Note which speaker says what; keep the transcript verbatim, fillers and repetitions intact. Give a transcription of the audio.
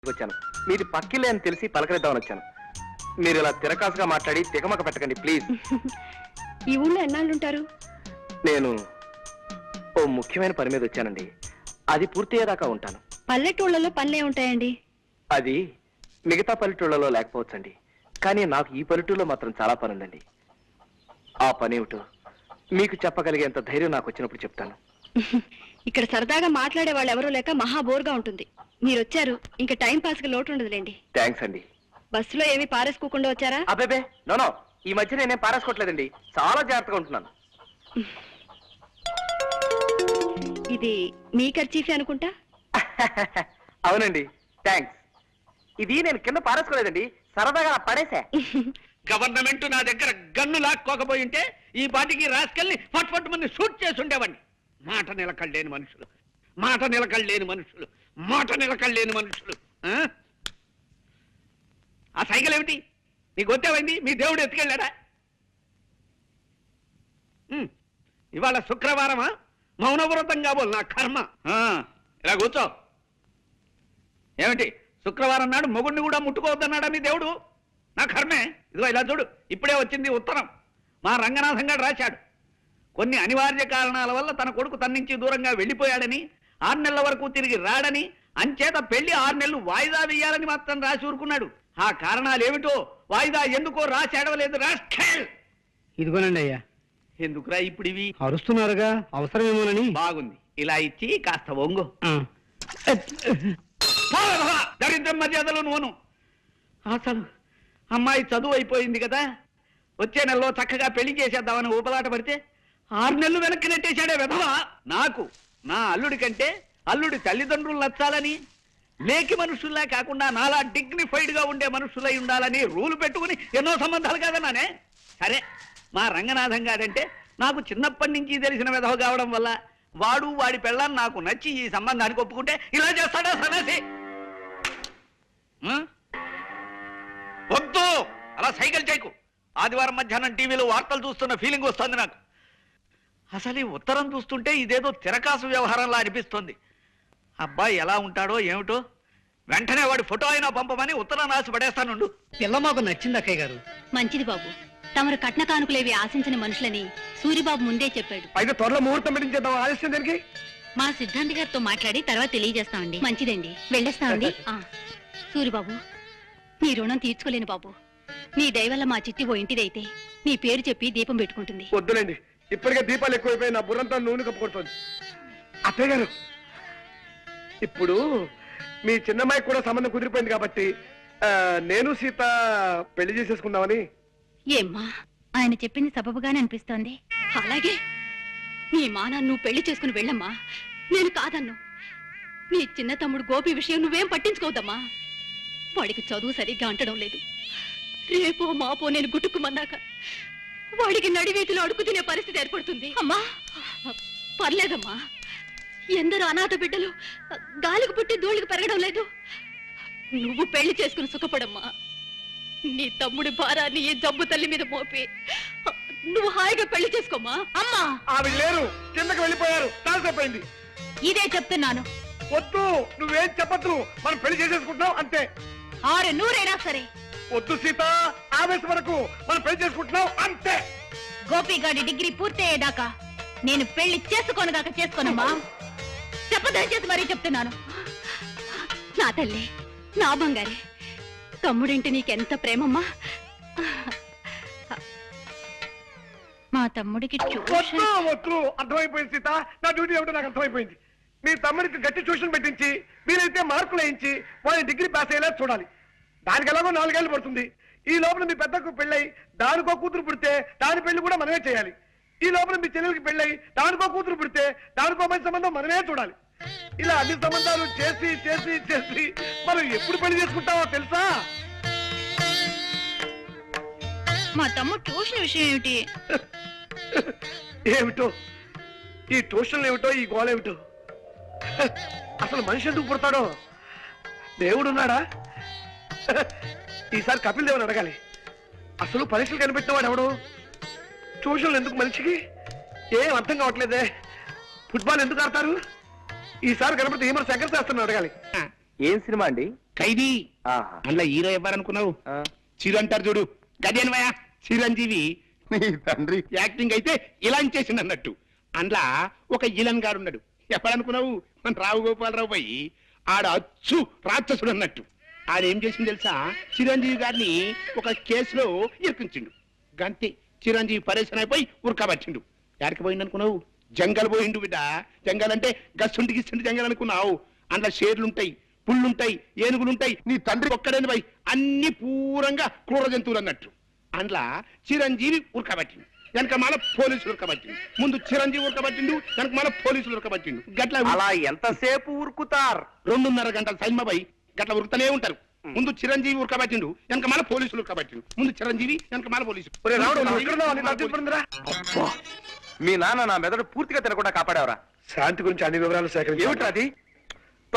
Speaker 1: వచ్చాను. మీది పక్కిలే అని తెలిసి పలకరిద్దామని వచ్చాను. మీరు ఇలా తిరకాసుగా మాట్లాడి తికమక పెట్టకండి ప్లీజ్.
Speaker 2: ఈ ఊళ్ళో ఎన్నాళ్ళు ఉంటారు?
Speaker 1: నేను ఓ ముఖ్యమైన పని మీద వచ్చానండి. అది పూర్తయ్యేదాకా ఉంటాను.
Speaker 2: పల్లెటూళ్ళలో పనులే ఉంటాయండి.
Speaker 1: అది మిగతా పల్లెటూళ్ళలో లేకపోవచ్చండి, కానీ నాకు ఈ పల్లెటూళ్ళలో మాత్రం చాలా పని ఉందండి. ఆ పని ఏమిటో మీకు చెప్పగలిగేంత ధైర్యం నాకు వచ్చినప్పుడు చెప్తాను.
Speaker 2: ఇక్కడ సరదాగా మాట్లాడే వాళ్ళు ఎవరూ లేక మహా బోర్గా ఉంటుంది. మీరు వచ్చారు, ఇంకా టైం పాస్ కి లోటు ఉండదులేండి.
Speaker 1: థ్యాంక్స్ అండి.
Speaker 2: బస్సులో ఏమీ పారేసుకోకుండా వచ్చారా?
Speaker 1: అబ్బేబే నోనో, ఈ మధ్య నేనేం పారేసుకోవట్లేదండి, చాలా జాగ్రత్తగా ఉంటున్నాను.
Speaker 2: ఇది మీ ఖర్చీఫే అనుకుంటా.
Speaker 1: అవునండి, థ్యాంక్స్. ఇది నేను కింద పారేసుకోలేదండి, సరదాగా పడేసా.
Speaker 3: గవర్నమెంట్ నా దగ్గర గన్ను లాక్కోకపోయి ఉంటే ఈ పాటికి రాసుకెళ్ళి ఫట్ ఫట్ మంది షూట్ చేసి ఉండేవాడిని. మాట నిలకడలేని మనుషులు, మాట నిలకడలేని మనుషులు, మాట నిలకడలేని మనుషులు. ఆ సైకిల్ ఏమిటి నీకు వచ్చేవైంది? మీ దేవుడు ఎత్తుకెళ్ళాడా? ఇవాళ శుక్రవారమా? మౌనవ్రతం కాబోలు నా కర్మ. ఇలా కూర్చో. ఏమిటి శుక్రవారం నాడు మొగుడిని కూడా ముట్టుకోవద్దన్నాడా మీ దేవుడు? నా కర్మే. ఇదిగో ఇలా చూడు, ఇప్పుడే వచ్చింది ఉత్తరం. మా రంగనాథం గారు రాశాడు. కొన్ని అనివార్య కారణాల వల్ల తన కొడుకు తన నుంచి దూరంగా వెళ్ళిపోయాడని, ఆరు నెలల వరకు తిరిగి రాడని, అంచేత పెళ్లి ఆరు నెలలు వాయిదా వేయాలని మాత్రం రాసి ఊరుకున్నాడు. ఆ కారణాలు ఏమిటో వాయిదా ఎందుకో రాసి అడవలేదు. రాష్ట్ర
Speaker 4: ఇదిగోనండి అయ్యా.
Speaker 3: ఎందుకురా ఇప్పుడు ఇవి?
Speaker 4: అరుస్తున్నారుగా, అవసరమేమోనని.
Speaker 3: బాగుంది, ఇలా ఇచ్చి కాస్త ఒంగు. దరిద్రం మర్యాదలు నువ్వును. అసలు అమ్మాయి చదువు అయిపోయింది కదా, వచ్చే నెలలో చక్కగా పెళ్లి చేసేద్దామని ఊపలాట పడితే ఆరు నెలలు వెనక్కి నెట్టేశాడే విధవా. నాకు నా అల్లుడి కంటే అల్లుడి తల్లిదండ్రులు నచ్చాలని, లేకి మనుషుల్లా కాకుండా నాలా డిగ్నిఫైడ్ గా ఉండే మనుషులై ఉండాలని రూలు పెట్టుకుని ఎన్నో సంబంధాలు కాదన్నానే. సరే, మా రంగనాథం గారంటే నాకు చిన్నప్పటి నుంచి తెలిసిన విధవ కావడం వల్ల వాడు వాడి పెళ్ళాన్ని నాకు నచ్చి ఈ సంబంధానికి ఒప్పుకుంటే ఇలా చేస్తాడా సన్నాసి? వద్దు, అలా సైకిల్ చేయకు. ఆదివారం మధ్యాహ్నం టీవీలో వార్తలు చూస్తున్న ఫీలింగ్ వస్తుంది నాకు. అసలు ఈ ఉత్తరం చూస్తుంటే ఇదేదో తిరకాసు వ్యవహారంలా అనిపిస్తుంది. అబ్బాయి ఎలా ఉంటాడో ఏమిటో, వెంటనే వాడి ఫోటో అయినా పంపమని ఉత్తరం రాసి పడేస్తానుండు.
Speaker 4: పిల్ల మాకు నచ్చింది అక్కయ్య గారు.
Speaker 2: మంచిది బాబు, తమరు కట్న కానుకలేవి ఆశించని మనుషులని సూరిబాబు ముందే చెప్పాడు.
Speaker 1: అయితే త్వరలో ముహూర్తం పెట్టించేద్దాం. ఆలస్యం దానికి
Speaker 2: మా సిద్ధాంతి గారితో మాట్లాడి తర్వాత తెలియజేస్తామండి. మంచిదండి, వెళ్ళేస్తామండి. సూరిబాబు, నీ రుణం తీర్చుకోలేను బాబు. నీ దయవల్ల మా చిట్టి ఓ ఇంటిదైతే నీ పేరు చెప్పి దీపం పెట్టుకుంటుంది.
Speaker 1: వద్దులేండి, ఇప్పటికే దీపాలు ఎక్కువైపోయి నా బుర్రంతా నూనె కప్పుకొడుతుంది. అత్తయ్య గారు, ఇప్పుడు మీ చిన్నమ్మాయికి కూడా సంబంధం కుదిరిపోయింది కాబట్టి నేను సీత పెళ్లి చేసేసుకుందామని.
Speaker 2: ఏమ్మా, ఆయన చెప్పింది సబబుగానే అనిపిస్తోంది. అలాగే నీ మానా నువ్వు పెళ్లి చేసుకుని వెళ్ళమ్మా, నేను కాదన్ను. నీ చిన్న తమ్ముడు గోపి విషయం నువ్వేం పట్టించుకోవద్దమ్మా. వాడికి చదువు సరిగ్గా అంటడం లేదు. రేపో మాపో నేను గుట్టుకుమన్నాక వాడికి నడివీధిలో అడుగు తినే పరిస్థితి ఏర్పడుతుంది. అమ్మా పర్లేదమ్మా, ఎందరో అనాథ బిడ్డలు గాలికి పుట్టి ధూళికి పెరగడం లేదు. నువ్వు పెళ్లి చేసుకుని సుఖపడమ్మా. నీ తమ్ముడి భారాన్ని ఈ జబ్బు తల్లి మీద మోపి నువ్వు హాయిగా పెళ్లి చేసుకోమా. అమ్మా,
Speaker 1: ఆవిడ లేరు, కిందకి వెళ్ళిపోయారు, తాల్సైపోయింది.
Speaker 2: ఇదే చెప్తున్నాను.
Speaker 1: వద్దు, నువ్వేం చెప్పద్దు, మనం పెళ్లి చేసేసుకుంటున్నాం అంతే.
Speaker 2: ఆరు నూరైనా సరే.
Speaker 1: వద్దు సీత, ఆవేశం వరకు మనం పెళ్లి చేసుకుంటున్నాం అంతే.
Speaker 2: గోపిగాడి డిగ్రీ పూర్తయ్యేదాకా నేను పెళ్లి చేసుకోనుగాక చేసుకోనమ్మా. చెప్పదయచేసి మరీ చెప్తున్నాను. నా తల్లి, నా బంగారే, తమ్ముడింటి నీకెంత ప్రేమమ్మా. మా తమ్ముడికి
Speaker 1: వద్దు, అర్థమైపోయింది సీత, నా డ్యూటీ ఏమిటో నాకు అర్థమైపోయింది. మీ తమ్ముడికి గట్టి ట్యూషన్ పెట్టించి వీలైతే మార్కులు వేయించి వాళ్ళని డిగ్రీ పాస్ అయ్యేలా చూడాలి. దానికి ఎలాగో నాలుగేళ్లు పడుతుంది. ఈ లోపల మీ పెద్దకు పెళ్ళై దానికో కూతురు పుడితే దాని పెళ్లి కూడా మనమే చేయాలి. ఈ లోపల మీ చెల్లెలకి పెళ్ళై దానికో కూతురు పుడితే దానికో మంచి సంబంధం మనమే చూడాలి. ఇలా అన్ని సంబంధాలు చేసి చేసి చేసి మనం ఎప్పుడు పెళ్లి చేసుకుంటామో తెలుసా?
Speaker 2: మా తమ్ముడు ట్యూషన్ విషయం ఏమిటి?
Speaker 1: ఏమిటో ఈ ట్యూషన్లు ఏమిటో, ఈ గోళ ఏమిటో. అసలు మనిషి ఎందుకు పుడతాడో? దేవుడున్నాడా? ఈసారి కపిల్ దేవుని అడగాలి. అసలు పరీక్షలు కనిపెట్టినవాడు ఎవడు? ట్యూషన్లు ఎందుకు మనిషికి? ఏం అర్థం కావట్లేదే. ఫుట్బాల్ ఎందుకు ఆడతారు? ఈసారి కనపడితే ఏమన్నా శంకర్ శాస్త్రం అడగాలి. ఏం సినిమా అండి?
Speaker 3: ఖైదీ
Speaker 1: ఆహా.
Speaker 3: అందులో హీరో ఇవ్వాలనుకున్నావు
Speaker 1: ఆ,
Speaker 3: చిరు అంటారు చూడు గదేనవయా చిరంజీవి
Speaker 1: నీ తండ్రి
Speaker 3: యాక్టింగ్ అయితే ఇలా చేసిండు అన్నట్టు అందులో ఒక ఇలన్ గారు ఉన్నాడు ఎప్పుడనుకున్నావు మన రావు గోపాలరావు పోయి ఆడ అచ్చు రాక్షసుడు అన్నట్టు ఆడేం చేసింది తెలుసా చిరంజీవి గారిని ఒక కేసులో ఇరికించిండు గంతే చిరంజీవి పరేషన్ అయిపోయి ఉరకబట్టిండు ఎక్కడికి పోయిండు అనుకున్నావు జంగల్ పోయిండు బిడ్డ జంగల్ అంటే గస్సుంటి గిస్సుంటి జంగల్ అనుకున్నావు అందులో షేర్లుంటాయి పుళ్ళుంటాయి ఏనుగులుంటాయి నీ తండ్రి ఒక్కడేని పోయి అన్ని పూరంగా క్రూర జంతువులు అన్నట్టు అందులో చిరంజీవి ఉరకబట్టిండు వెనక మన పోలీసులు ఉరకబట్టిండు ముందు చిరంజీవి ఉరకబట్టిండు వెనక మన పోలీసులు ఉరకబట్టిండు గట్ల
Speaker 1: అలా ఎంతసేపు ఊరుకుతారు?
Speaker 3: రెండున్నర గంటల సైన్మబాయి గట్ల ఉరుకుతూనే ఉంటారు ముందు చిరంజీవి ఉరకబట్టిండు వెనక మన పోలీసులు ఉరకబట్టిండు ముందు చిరంజీవి వెనక మన పోలీసులు
Speaker 1: ఒరే రావుడు, నువ్వు ఎక్కడున్నావు? నీకు అర్థం పడుతుందిరా?
Speaker 5: మీ నాన్న నా మెదడు పూర్తిగా తినకుండా కాపాడేవరా?
Speaker 1: శాంతి గురించి అన్ని వివరాలు సేకరించి
Speaker 5: ఏమిట్రా అది?